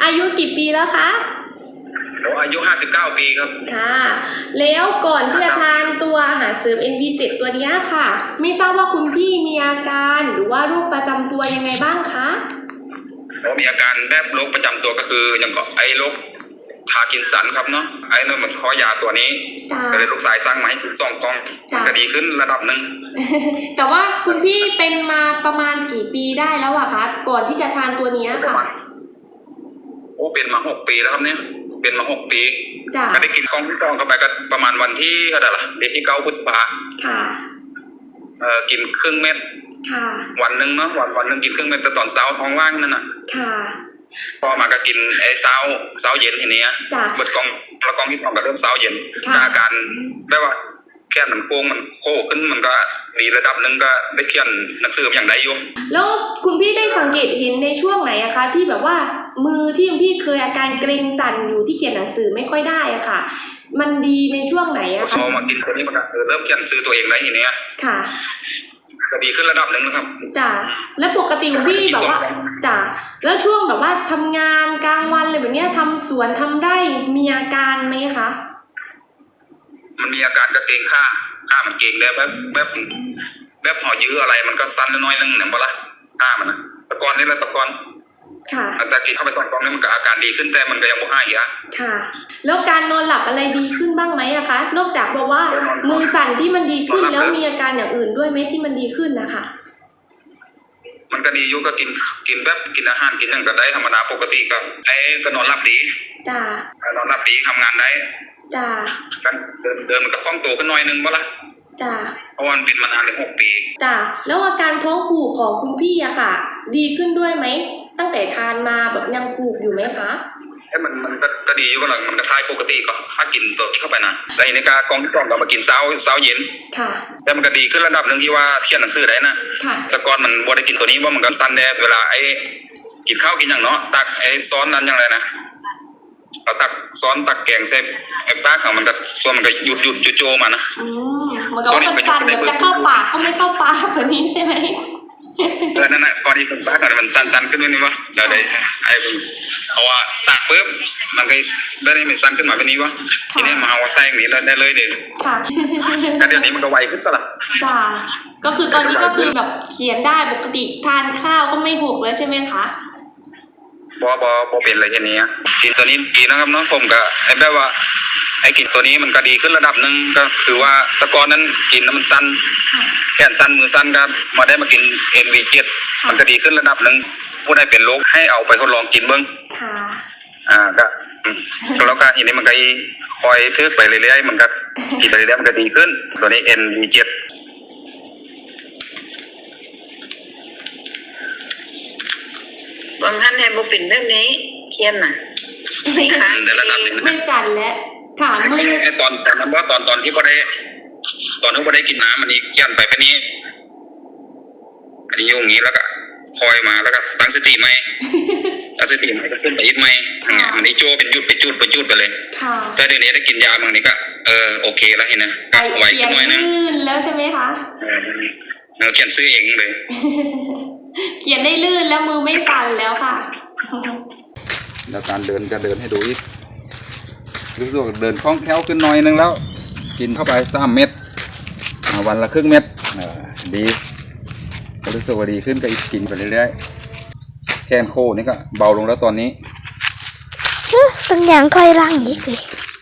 อายุกี่ปีแล้วคะอายุ59 ปีครับค่ะแล้วก่อนที่จะทานตัวอาหารเสริม NV7 ตัวนี้ค่ะไม่ทราบว่าคุณพี่มีอาการหรือว่าโรคประจำตัวยังไงบ้างคะมีอาการแบบโรคประจำตัวก็คืออย่างก็ไอ้โรคพาร์กินสันครับเนาะไอ้นั่นมันขอยาตัวนี้ก็เลยลูกสายสร้างมาให้กิน2 กล่องก็ดีขึ้นระดับหนึ่งแต่ว่าคุณพี่เป็นมาประมาณกี่ปีได้แล้วอะคะก่อนที่จะทานตัวนี้ค่ะเป็นมา6 ปีแล้วครับเนี่ยเป็นมา6 ปีก็ได้กินกล่องที่2เข้าไปก็ประมาณวันที่เท่าไหร่ล่ะเดือนที่9 พฤษภาค่ะกินครึ่งเม็ดค่ะวันหนึ่งเนาะวันหนึ่งกินครึ่งเม็ดแต่ตอนเช้าท้องว่างนั่นน่ะค่ะพอมาก็กินไอ้เช้าเย็นทีนี้เบิดกล่องแล้วกล่องที่2ก็เริ่มเช้าเย็นอาการได้ว่าแค่มันโค้งมันโค้งขึ้นมันก็ดีระดับหนึ่งก็ได้เขียนหนังสืออย่างใดอยู่แล้วคุณพี่ได้สังเกตเห็นในช่วงไหนอะคะที่แบบว่ามือที่คุณพี่เคยอาการเกร็งสั่นอยู่ที่เขียนหนังสือไม่ค่อยได้อะค่ะมันดีในช่วงไหนอะคะพอมากินตัวนี้มันก็เริ่มเขียนหนังสือตัวเองได้ทีนี้ค่ะก็ดีขึ้นระดับหนึ่งนะครับจ้ะแล้วปกติคุณพี่แบบว่าจ้ะแล้วช่วงแบบว่าทำงานกลางวันอะไรแบบนี้ทำสวนทำไร่มีอาการไหมคะมันมีอาการกระเกงข้ามันเก่งได้แบบห่อยื้ออะไรมันก็สั้นน้อยนึงเนี่ยบ่ละข้ามันนะตะกอนนี่แหละตะกอนค่ะแต่กินเข้าไป2 กล่องนี่มันก็อาการดีขึ้นแต่มันก็ยังบ่หายอ่ะค่ะแล้วการนอนหลับอะไรดีขึ้นบ้างไหมอะคะนอกจากบอกว่ามือสั่นที่มันดีขึ้นแล้วมีอาการอย่างอื่นด้วยไหมที่มันดีขึ้นนะคะมันก็ดีอยู่ก็กินแบบกินอาหารกินอย่างก็ได้ธรรมดาปกติก็นอนหลับดีจ้านอนหลับดีทำงานได้จ้ากันเดินมันก็คล่องตัวขึ้นหน่อยนึงบ่ละจ้าเพราะมันเป็นมานานเลย6 ปีจ้าแล้วอาการท้องผูกของคุณพี่อะค่ะดีขึ้นด้วยไหมตั้งแต่ทานมาแบบยังผูกอยู่ไหมคะมันก็ดีอยู่ก็หลังมันก็คล้ายปกติก็ถ้ากินตัวที่เข้าไปนะแล้วในกากองที่2ก็มากินเช้าเย็นค่ะแต่มันก็ดีขึ้นระดับหนึ่งที่ว่าเขียนหนังสือได้นะแต่ก่อนมันบ่ได้กินตัวนี้ว่ามันก็สั้นแน่เวลากินข้าวกินอย่างเนาะตักซ้อนนั้นอย่างไรนะเราตักซ้อนตักแกงใส่ปากของมันก็ส่วนมันก็หยุดโจมานะมันก็ว่ามันสั้นแบบจะเข้าปากก็ไม่เข้าปากแบบนี้ใช่ไหมนั่นน่ะก่อนที่ปากมันสั้นขึ้นนิดนึงวะเดี๋ยวได้เพราะว่าตักปุ๊บมันก็ได้ไม่สั้นขึ้นมาแบบนี้วะทีนี้มาเอาใส่อย่างนี้ได้เลยเด้อค่ะแต่เดี๋ยวนี้มันก็ไวขึ้นตลอดจ้าก็คือตอนนี้ก็คือแบบเขียนได้ปกติทานข้าวก็ไม่หกแล้วใช่ไหมคะบ่เป็นอะไรแค่นี้กินตัวนี้ดีนะครับน้องผมก็แบบว่ากินตัวนี้มันก็ดีขึ้นระดับหนึ่งก็คือว่าตะกอนนั้นกินแล้วมันสั้นแขนสั้นมือสั้นครับมาได้มากิน NV7 มันก็ดีขึ้นระดับหนึ่งผู้ใดเป็นโรคให้เอาไปทดลองกินเบิ้งก็แล้วก็ทีนี้มันก็คอยทึกไปเรื่อยๆมันก็กินไปเรื่อยๆมันก็ดีขึ้นตัวนี้ NV7 บางท่านให้บุปินแบบนี้เทียนน่ะไม่ค่ะไม่สั่นแล้วค่ะมือตอนนั้นว่าตอนที่พอได้ตอนที่พอได้กินน้ำอันนี้เขียนไปแบบนี้อันนี้อยู่อย่างนี้แล้วก็คอยมาแล้วก็ตั้งสติไหมตั้งสติไหมก็ขึ้นไปอีกไหมมันนี้โจเป็นยุดไปเลยแต่เดี๋ยวนี้ได้กินยาบางนี้ก็โอเคแล้วเห็นนะก็ไวขึ้นหน่อยนึงลื่นแล้วใช่ไหมคะเขียนซื้อเองเลยเขียนได้ลื่นแล้วมือไม่สั่นแล้วค่ะแล้วการเดินก็เดินให้ดูอีกรู้สึกเดินคล่องแคล่วขึ้นหน่อยนึงแล้วกินเข้าไป3 เม็ดวันละครึ่งเม็ดดีรู้สึกว่าดีขึ้นก็อีกกินไปเรื่อยๆแขนโคนี่ก็เบาลงแล้วตอนนี้ตั้งอย่างค่อยร่างอีกเลย